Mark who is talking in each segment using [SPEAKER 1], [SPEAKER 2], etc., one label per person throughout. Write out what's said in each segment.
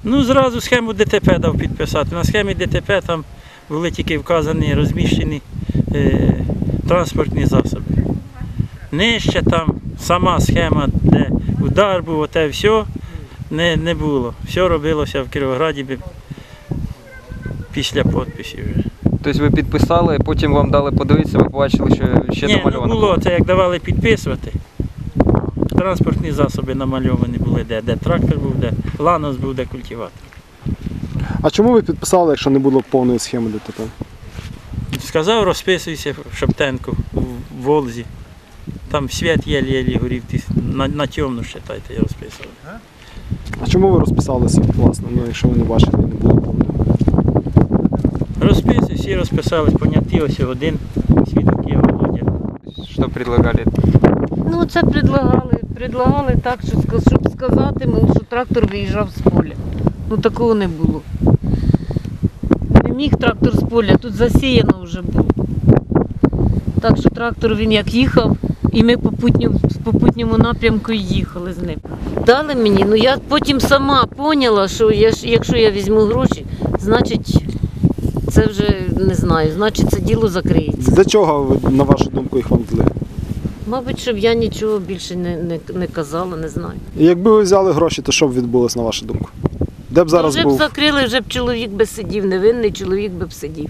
[SPEAKER 1] Ну, зразу схему ДТП дав підписати. На схемі ДТП там були тільки вказані, розміщені транспортні засоби. Нижче там сама схема, де удар був, оте все не було. Все робилося в Кіровограді після підписів вже.
[SPEAKER 2] Тобто ви підписали, потім вам дали подивитися, ви побачили, що ще намальовано?
[SPEAKER 1] Ні, не було. Це як давали підписувати. Транспортні засоби намальовані були, де трактор був, де ланос був, де культиватор.
[SPEAKER 3] А чому ви підписали, якщо не було повної схеми ДТП?
[SPEAKER 1] Сказав, розписуйся в Шептенку, в Волзі. Там світ єлі-єлі горів, на темну, считайте, я розписував.
[SPEAKER 3] А чому ви розписалися, власне, якщо ви не бачили і не було повної?
[SPEAKER 1] Розписи, всі розписались, поняті, ось один свідок є Володя.
[SPEAKER 2] Що предлагали?
[SPEAKER 4] Ну це предлагали так, щоб сказати, що трактор виїжджав з поля. Ну такого не було. Не міг трактор з поля, тут засіяно вже було. Так що трактор він як їхав, і ми в попутньому напрямку їхали з ним. Дали мені, ну я потім сама поняла, що якщо я візьму гроші, значить це вже не знаю, значить це діло закриється.
[SPEAKER 3] Для чого, на вашу думку, їх вам дали?
[SPEAKER 4] Мабуть, щоб я нічого більше не казала, не знаю.
[SPEAKER 3] І якби ви взяли гроші, то що б відбулося, на вашу думку? Де б зараз
[SPEAKER 4] Вже б
[SPEAKER 3] був?
[SPEAKER 4] закрили, вже б чоловік би сидів, невинний чоловік би б сидів.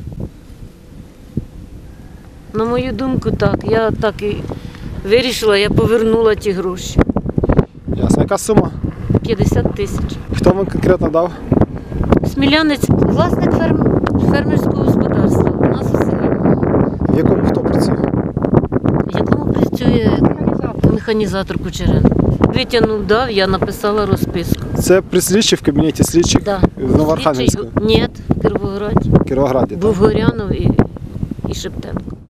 [SPEAKER 4] На мою думку, так. Я так і вирішила, я повернула ті гроші.
[SPEAKER 3] Ясно. Яка сума?
[SPEAKER 4] 50 тисяч.
[SPEAKER 3] Хто вам конкретно дав?
[SPEAKER 4] Смілянець, власник фермерського господарства у нас у селі,
[SPEAKER 3] В якому хто працює?
[SPEAKER 4] в якому працює механізатор Кучеренко. Витягнув, дав, я написала розписку.
[SPEAKER 3] Це при слідчі в кабінеті слідчих
[SPEAKER 4] Да.
[SPEAKER 3] в Новоархангельську?
[SPEAKER 4] Ні, в Кіровограді.
[SPEAKER 3] В Кіровограді,
[SPEAKER 4] Був
[SPEAKER 3] так?
[SPEAKER 4] Горянов і Шептенко.